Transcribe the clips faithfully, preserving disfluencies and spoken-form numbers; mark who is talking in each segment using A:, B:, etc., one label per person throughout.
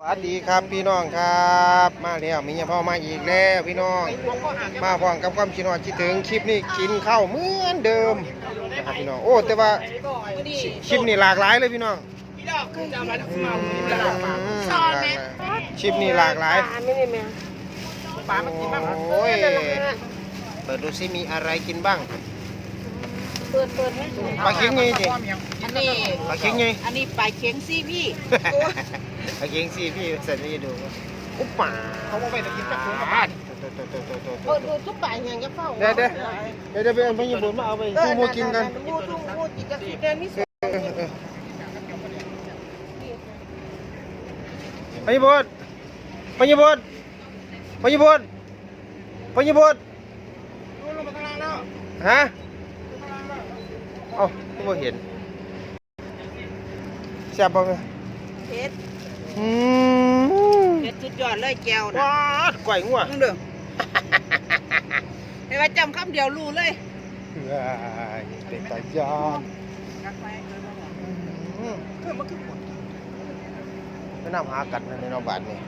A: สวัสดีครับพี่น้องครับมาแล้วมีเฉพาะมาอีกแล้วพี่น้องมาพร้อมกับความคิดฮอดคิดถึงคลิปนี้กินข้าวเหมือนเดิมนะครับพี่น้องโอ้แต่ว่าคลิปนี้หลากหลายเลยพี่น้องคลิปนี้หลากหลายโอ้ยเปิดดูซิมีอะไรกินบ้าง
B: เปิดเปิดให้ดู
A: ปลาเค็งไงจิ
B: อันนี้
A: ปลาเค็งไง
B: อันนี้ปลาเค็งซี่พี่
A: ปลาเค็งซี่พี่เสร็จแล้วจะดูอุ๊บป่าเขาบอกไปจะกินปลาเค็งกับบ้าน
B: เปิดดูทุกปลาอย่างจะเฝ้า
A: เดี๋ยวเดี๋ยวเดี๋ยวจะไปเอาไปญี่ปุ่นมาเอาไปดูโมกินกัน
B: มูดูมูกินกับสีแดงนี่สุด
A: ไปญี่ปุ่นไปญี่ปุ่นไปญี่ปุ่นไปญี่ปุ่นฮะเอ้าไม่เห็นแซ่บป่ะ
B: เผ็ด
A: อืม
B: เผ็ดสุดยอดเลยแก้วนะ
A: ว้าก่อยงัว
B: มึงเด้อเห็นว่าจำคำเดียวรู้เลย
A: เป็นตายานไม่น่าหากัดในนอบาทนี่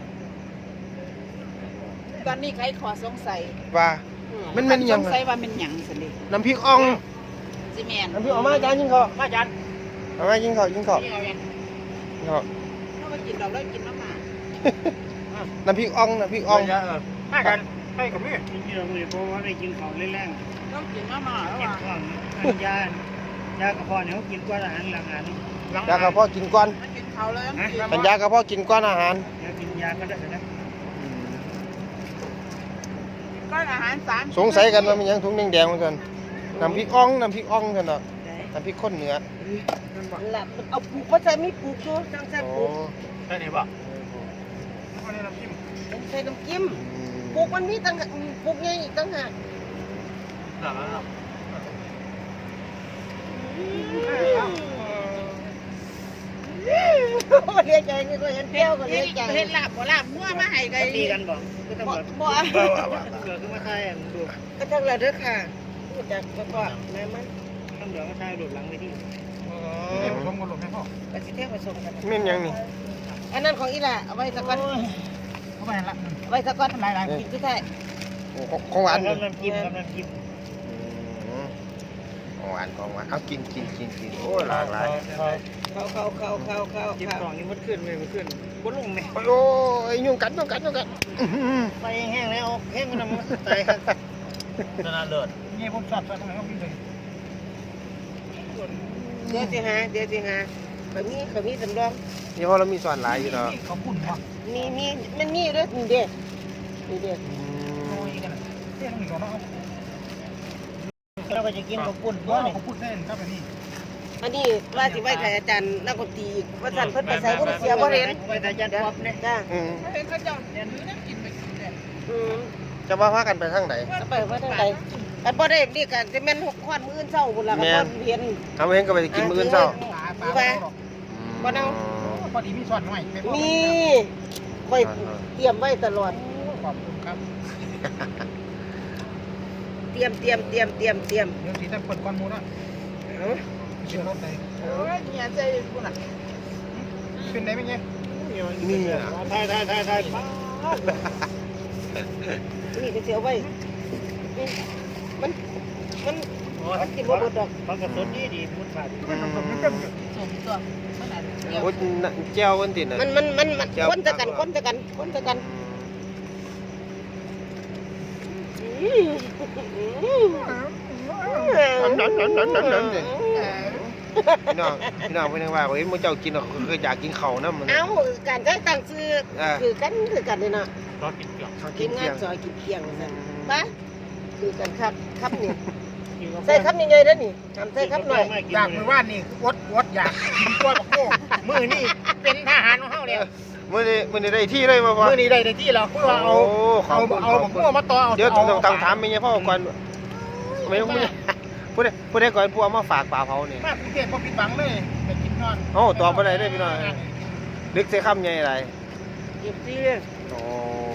B: ตอนนี้ใครขอสงสัย
A: ว่ามันเป็นยัง
B: สงสัยว่าเป็นหยังสิดิ
A: น้ำพริกอ่อง
B: ซีเมน
A: น้ำพริกออกมาจานยิงเขา
B: มาจาน
A: เอามายิงเขายิงเขา
B: ยิงเขาถ้ามากินเราเลิกกินน้ำหมา
A: น้ำพริกอ่องน้ำพริกอ่อง
C: มากันไปกับพี่กินเยอะเลยเพราะว่าได้กินของแรง
B: ๆต้องกินน้ำหมาแล้ว
C: อ่ะยายากระเพาะเนี่ยเขากินก้อนอาหารหลังอาหาร
A: ยากระเพาะกินก้อน
B: กินเขาเลย
A: เป็นยากระเพาะกินก้อนอาหาร
C: ยากินยาก็ได้นะ
B: ก้อนอาหารสาร
A: สงสัยกันว่ามันยังถุงแดงๆเหมือนกันน้ำพริกอ่องน้ำพริกอ่องกันเนาะน้ำพริกข้นเนื้อ
B: หลับเอาปลูกว่าใส่ไม่ปลูกตัวจังใส่ปลูก
C: ใช่ไหมบ่
B: ใส่น้ำจิ้มปลูกมันมีตั้งปลูกใหญ่อีกตั้งหากเรียกใจนี่ก็เห็นเที่ยวก็เรียกใจเห็นหลับบ่หลับมั่วมาให้ไกล
C: ตีกันบ่ก็ต้องบ่
B: บ่
C: เกิดขึ้นมาใช่ดู
B: ก็ทั้งละเด้อค่ะจากก็แม่มัน
C: ต้องเดี๋ยวมาใช่หลุดหลังไปที่ผสมกันหลุดให้พ่อ
B: ก็สิเที่ยวผสมกัน
A: เม่นยังนี่
B: อันนั้นของอีหล่ะเอาไว้สักก้อน
C: เอาไปละ
B: ไว้สักก้อนหลายๆกินคือไทย
A: ของหวาน
C: น้ำจิ้มน้ำจิ้ม
A: ของหวานของหวานเอากินกินกินกินโอ้หลากหลาย
B: เข้าเข้าเข้าเข้าเข้า
C: จิ้มกล่องนี้มันขึ้นเลยมันขึ้นบนลงไหม
A: โอ้ยยุ่งกัดยุ่งกัดยุ่งกัด
C: ไปแห้งแล้วแห้งมันน้ำตายครับนานๆเลิศนี่ผมชอบชอบทำไมเขาพิมพ์เลย
B: เดี๋ยวสิฮะเดี๋ยวสิฮะเขามีเขามีสำรอง
A: นี่เพราะเรามีส่วนหลายอยู่เนาะ
C: เขาปุ่นวะ
B: มีมีมันมีด้วยนี่เด็กนี่เด็ก
C: โอ้ยกันเส้นนี่ก่อนเนาะเราก็จะกินเขาปุ่นเพราะเขาปุ่นเส้นครับอันนี้
B: อันนี้ว่าสิไว้ใครอาจารย์นักดนตรีว่าสั่นเพิ่นไปใส่ก็เสียบ่เห็น
C: ไว้อาจารย์ป๊อปเนี่ย
B: จ้า
C: อื
B: มเห็นเขาเจ้าเดี๋ยวนี้นั่งกินไปกินเนี่ยอืม
A: จะว่าพากันไปทางไหน
B: จะไปว่าทางไหนกันบ่ได้นี่กันจะแม่นหกควันมื้อเช้าพุ่นล่ะก็บ่เห็น
A: ทำเห็นก็ไปกินมื้อเช้า
B: คือว่าบ่เนา
C: พอดีมีช้อนหน่อย
B: มีค่อยเตรียมไว้ตลอด
C: ขอบคุณครับ
B: เตรียมเตรียมเตรียมเตรียมเตรียม
C: เดี๋ยวสิจะเปิดก้อนมูนะ
B: เอ้า
C: กินรถได้
B: โอ้ยเนี่ยใจพุ่นน่ะ
C: เป็นได้มั้ยเนี่ย
A: นี่อ่ะ
C: ถ่ายถ่ายถ่ายถ่าย
B: นี่ก็เสียไว้มันมันมันกินบ่หมดดอก
C: มันก็สดดีดีมุดขาดมันก็มันก็
B: สมตัวมันน่ะ
A: โอ้เจ้าวันติน่ะ
B: มันมันมันมันคนตะกันคนตะกันคนตะกัน
A: นั่นนั่นนั่นนั่นนั่นสิพี่น้องพี่น้องพี่น้องว่าเฮ้ยมึงเจ้ากินเคยอยากกินเข่านะมัน
B: เอ้าการได้ตั้งชื่อคือกันคือกันเลยนะ
C: ซอกินเกี๊ยว
B: กินงานซอยกินเคียงนั่นปะคือกันครับครับนี่ใส่ครับยังไงแล้วนี่ทำใส่ครับหน่อย
C: อยากมือว่านนี่วดวดอยากกินกล้วยบักโก้มือนี่เป็นทหารของเฮาแล้ว
A: มือนี่มือนี่ได้ที่เลยมาพอ
C: มือนี่ได้ได้ที่แล้วคือว่าเอาเอาเอาบักโก้มาต่อ
A: เดี๋ยวต้องต้องถามไม่ใช่พ่อก่อนไม่ต้องพูดได้พูดได้ก่อนพวกมาฝากปลาเผาเนี่ย
C: มากรุงเทพพอปิดบังเลยไปกินนอน
A: โอ้ตอบไปได้พี่น้อยลึกใส่คำใหญ่อะไร
B: เอฟซี
A: โอ้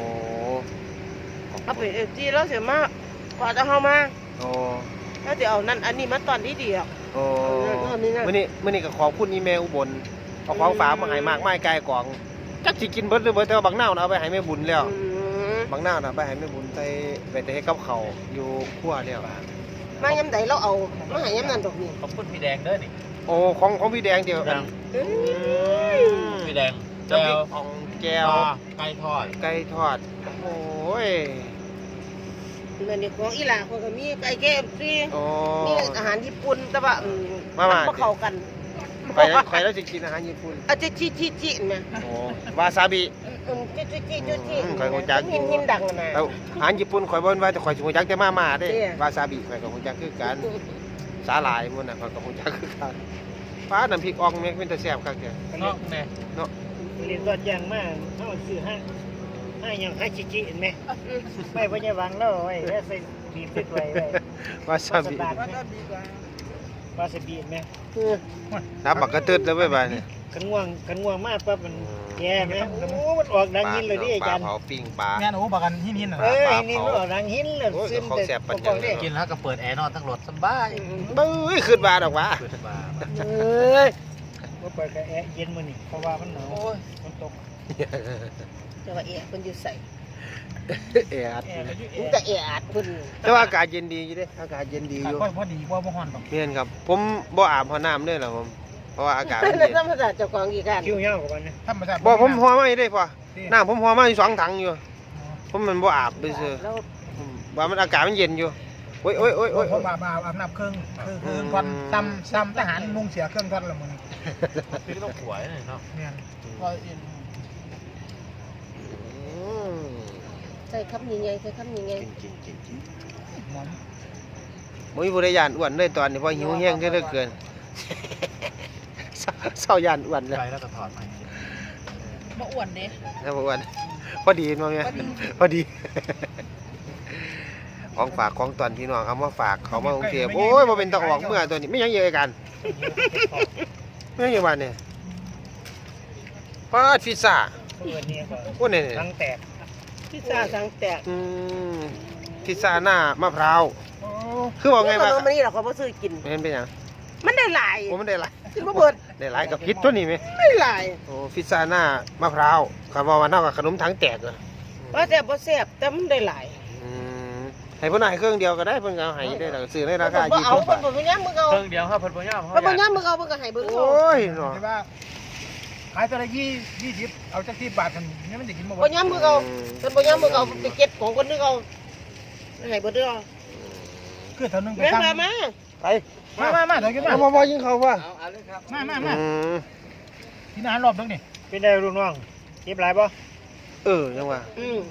B: เอาไปเอฟซีแล้วเสียมากกว่าจะเข้ามา
A: โอ้
B: ถ้าจะเอานั่นอันนี้มาตอนที่ดีอ่ะ
A: โอ้มื่อนี้มื่อนี้ก็ขอบคุณอีเมลอุบลเอาของฝากมาให้มากไม้ไกลกล่องจักสิกินเบิดหรือบ่แต่ว่าบักนาวน่ะเอาไปให้แม่บุญแล้ว
B: อืม
A: บักนาวน่ะเอาไปให้แม่บุญใส่ไปแต่ให้กับเขาวอยู่ครัวแล้ว
B: มายำใดเราเอามาให้ยำนั่นดอกนี่
C: ขอบคุณพี่แดงเด้อนี่
A: โอ้ของของพี่แดงเดียวกัน
B: อืม
C: พี่แดง
A: น้ำพริกอ่องแก้ว
C: ไก่ทอด
A: ไก่ทอดโอ้ย
B: มันนี่ของอีหลาเขาก็มีไก่แก้มซี
A: โอ้
B: มีอาหารญี่ปุ่นแต่ว่าอืม
A: มามา
B: บ่เข้ากัน
A: ข่อยแล้วข่อยแล้วสิกินอาหารญี่ปุ่น
B: อาจจะชิชิชิแม่
A: โอ้วาซาบิ
B: อืมชิชิชิชิชิ
A: อืมข้อยรู้จักอยู่
B: หินหินดังน่ะ
A: แล้วอาหารญี่ปุ่นข่อยบ่นว่าแต่ข่อยสิรู้จักแต่มาม่าเด้
B: เด้
A: วาซาบิข่อยก็รู้จักคือกันสาหร่ายมันน่ะข่อยก็รู้จักคือกันฟ้าน้ำพริกอ่องแม่งเป็นตาแซ่บคักแท้
C: เนาะแม่
A: เนาะ
D: เรียนตอนยังมากเขาซื้อให้ให้ยังให้ชิจิเห็นไหมไม่พยาวังแล้วไอ้แล้วใส่บีบติดไว้ไว้
A: วาซาบิ
D: วาซาบิเห็นไหม
B: คือ
A: น้ำบักกระตึดแล้วเว้ยบาดนี้
D: กันง่วงกันง่วงมากปั๊บมันแย่ไหมโอ้มันออกดังหินเลยดิอาจารย์
A: ปลาเผาปิ้งปลา
C: แม่นโอ้บักกันหินหินน่ะ
D: เออนี่มันออกดังหินเลย
A: โอ้ย
D: ซึม
A: เขา
D: แต่
A: แซ่บปัญญา
D: บอกได้
C: กินแล้วก็เปิดแอร์นอนทั้งรถสบาย
A: บึ้ยขึ้นมาดอกวะ
C: เปิดบาร์
B: เอ้ย
D: ว่าเปิดกับแอร์เย็นมื้อนี่เพราะว่ามันหนาว
C: โอ้ย
D: มันตก
B: แต่ว่าเอะเพิ่นอยู่ใส่
A: เอ็ด
D: แอร์มันอยู่แอ
B: มัน
D: ร์
B: แต่เอะอาดเพิ่น
A: แต่ว่าอากาศเย็นดีอยู่เด้อากาศเย็นดีอยู่
C: ค่อยพอดีกว่าบ่ฮ้อนดอก
A: เมียนครับ ผมบ่อาบหัวน้ำเลยเหรอผม เพราะว่าอากาศมัน
B: แล้ว
A: เย็น
B: ธรรมศาสตร์เจ้าของอีกกัน
D: คิ้วยาวกว่ามันนะ
C: ธรรมชาติ
A: บ่ผมหัวไม่ได้พ่อน้ำผมหัวมาอยู่สองถังอยู่ ผมมันบ่อาบไปซื้อ
B: แล้ว
A: ผมว่ามันอากาศมันเย็นอยู่โอ้ยโอ้ยโอ้ย
C: โอ้
A: โอ้
C: ย
A: ย
C: ผมอาบอาบอาบน้ำเครื่องคือคือควันซ้ำซ้ำทหารนุ่งเสียเครื่องควันละมึงคือต้องหวยเนาะเนี่ยก็
A: อืม
B: ใส่คำยังไงใส่คำยังไง
A: กินกินกินกิน
C: หมอน
A: บ่มีผู้ใดย่านอ้วนเลยตอนนี้เพราะหิวแห้งเหลือเกิน เศร้าเศร้าย่านอ้วนแล้ว
C: ใจแล้วก็ถอดไป
E: บ่อ้วนเด้
A: นะบ่อ้วนพอดีมั้ยพอดี ของฝากของตอนพี่น้องเขามาฝากเขามากรุงเทพโอ้ยบ่เป็นตะออกเมื่อตัวนี้ไม่ยังเยอะกันไม่ยังอยู่บ้านเนี่ยปาดพิซซ่า
D: เปิดเนี่ยก็
A: โอ้นี่
D: ทั้งแตก
B: พิซซ่าสังแตก
A: อืมพิซซ่าหน้ามะพร้าว
C: โอ้
A: คือบอกไงว่า
B: มันนี่เราก็บ่ซื้อกิน
A: เห็นเป็นหยัง
B: มันได้หลาย
A: โอ้มันได้หลาย
B: กินบ่เบิด
A: ได้หลายกับพิษตัวนี้ไหม
B: ได้หลาย
A: โอ้พิซซ่าหน้ามะพร้าวคำว่าวันเท่ากับขนมถังแตกเหรอ
B: ว่าแต่บ่แซ่บแต่มันได้หลาย
A: อืมให้เพิ่นให้เครื่องเดียวก็ได้เพิ่นก็เอาให้ได้แล้วซื้อในราคา
B: บ่
A: ยี่
B: เอา
A: สิบ
B: เพิ่
A: บาน ท
B: บ่ย่ามมึงเอา
C: เครื่องเดียวครับเพิ่นบ่ยอม
B: เพิ่นบ่ย่ามมึงเอาเพิ่นก็ให้เบิ่ง
A: โอ
B: เอา
A: ้ยเนาะ
C: ใช่ป่ะขายแต่ละยี่ยี่สิบเอาจักที่บาทกันเนี่ยมันจะกินบ่
B: บ่ย่ามมึงเอาเพิ่นบ่ย่ามมึงเอาไปเก็บของคนนึงเอาให้เบิดเด้อ
C: คือเท่านึงไป
B: แม่
C: ตั้ง
B: มามา
A: ไป
C: มามามาเดี๋ยวกินมา
A: เอามาบ่ยิงเขาว่า
C: มามามา
A: อืม
C: กินอาหารรอบนึงนี่
D: เป็นได้ลูกน้องเก็บหลายป่ะ
A: เออจังว่า
B: อืม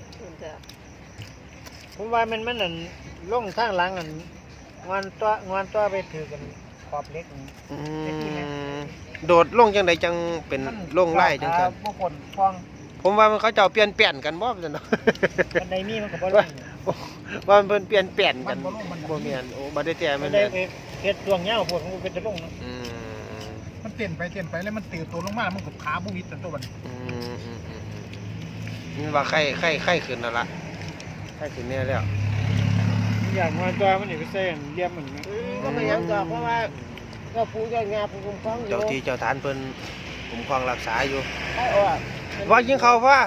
D: ผมว่ามันมันนั่นลงทางหลังอันงอนตัวงอนตัวไปถือกันขอบเล็กนี่
A: อืมโดดลงจังไดจังเป็นลงไล่จังซั่น
C: พวกคนฟอง
A: ผมว่ามันเขาเจ้าเปลี่ยนแปลนกันบ่ซั่นเนาะ
D: มันได้มีมันก็บ่ลง
A: ว่ามันเพิ่นเปลี่ยนแปลนกันบ่แม่นโอ้บ่ได้แต่
D: มั
A: มัน น
D: ได้
A: แม่น
D: เฮ็ดดวงยาวพวกมันก็เป็นตะลงเนาะ
A: อืม
C: มันเต้นไปเต้นไปแล้วมันตื่นตัวลงมามันก็ขาบุวิดตัวมัน
A: อืมอืมอืมอืมนี่ว่าไข้ไข้ไข้ขึ้นแล้วล่ะไข้ขึ้นแน่แล้ว
D: อย่างงอนตัวมันนี่ไปใส่เลี่ยมมัน
B: อืมก็บ่ยังดอกเพราะว่าก็ปู่ย่างาปู่คุ้มครองอยู่
A: เจ้าที่เจ้าทานเพิ่นคุ้มครองรักษาอยู่
B: ไอ้ออก
A: ว่ายิงเขาว่า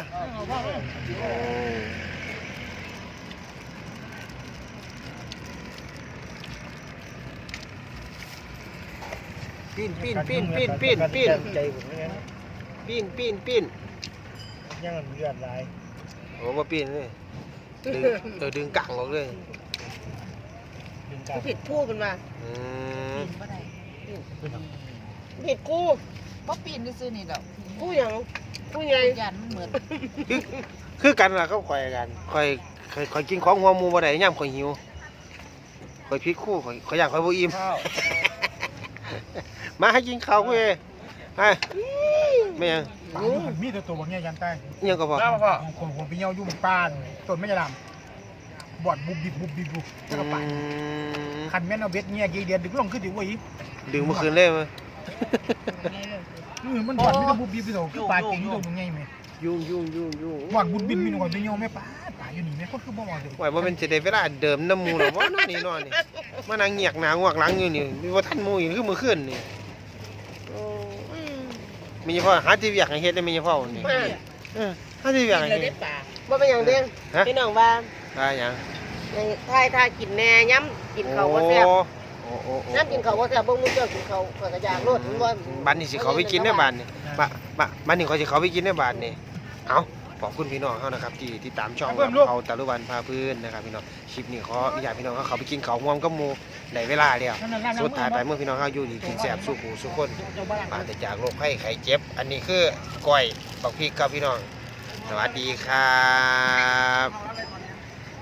A: ปีนปีนปีนปีนปีนปีน
D: ใจผมนี่นะ
A: ปีนปีนปีน
D: ยังมันเลือดไหล
A: โอ้มาปีนเลยดึงเออดึงกังออกเลย
D: ดึงกลับ
B: ผิดคู่เป็นมา
A: อืม
E: ปีนบ่ได้
B: ผิดคู่
E: บ่ปีนซื่อๆนี่ดอก
B: คู่หยังคู่ใหญ่
E: ย่านมันเหมือน
A: คือคือกันล่ะเขาคอยกันคอยคอยคอยกินของหัวหมูบ่ได้ย่ำคอยหิวคอยพริกคู่คอยคอยอยากคอยบ่อิ่ม
D: ข้าว
A: มาให้กินข้าวเว้ยให้ไม่ยัง
C: มีแต่ตัวบางอย่างยันใต้
A: ยังก็พอ
C: แล้วพ่อคนคนไปเยี่ยวยุ่งป้านต้นไม่จะดำบอดบุบบิบบุบบิบบุบแล้วก็ไป
A: อืม
C: คันแม่นเอาเบ็ดเงี้ยกี่เดือนดึงลงขึ้นดิเว้ย
A: ดึงเมื่อคืนเลยมั้ย
C: เออมันบอดไม่ต้องบุบบิบไปโถคือปลาเก่งตัวยังไงไหม
A: ยุ่งยุ่งยุ่งยุ่ง
C: บอดบุบบิบมีหน่อยไปเยี่ยวไม่ป้าป่าอยู่นี่แม่คนคือบ่มองเลย
A: ไหวว่าเป็นสิได้เวลาเดิมน้ำหมูหรอวะนอนนี่นอนนี่มานั่งเงียกหนางวกหลังอยู่นี่มีว่าท่านหมูอยู่คือมื้อคืนนี่
B: โอ้ย
A: มีพ่อหาที่เวียกให้เฮ็ดได้มีพ่อนี่
B: มา
A: เออหาที่เวียกให้
E: เลย
A: เฮ็
E: ได้
A: ด
E: ป่า
B: บ่เป็นหยังเด้ง
A: ฮะ
B: พี่น้องว่า
A: ได้หยัง
B: ในทายทายกินแหน่ย้ำกินข้าวบ่แซ่บ
A: โอ้โอ้โอ้
B: ย้ำกินข้าวบ่แซ่บบ่มื้อเจ้ากินข้าวข้อยก็อยากโลดบ่
A: บ้านนี้สิเขาไปกินในบ้านนี่บ้านบ้านบ้านนี้เขาสิเขาไปกินในบ้านนี่เอาขอบคุณพี่น้องเขานะครับที่ที่ตามช่องเขาตะลุวันพาพื้นนะครับพี่น้องคลิปนี้ขออนุญาตพี่น้องเขาเขาไปกินข้าวง่วงกับหมู่ได้เวลาแล้วสุดท้ายไปเมื่อพี่น้องเขาอยู่ดีกินแซ่บสู้หูสู้คนปราศจากโรคไข้ไข้เจ็บ อันนี้คือก้อยบักพริกครับพี่น้องสวัสดีครับ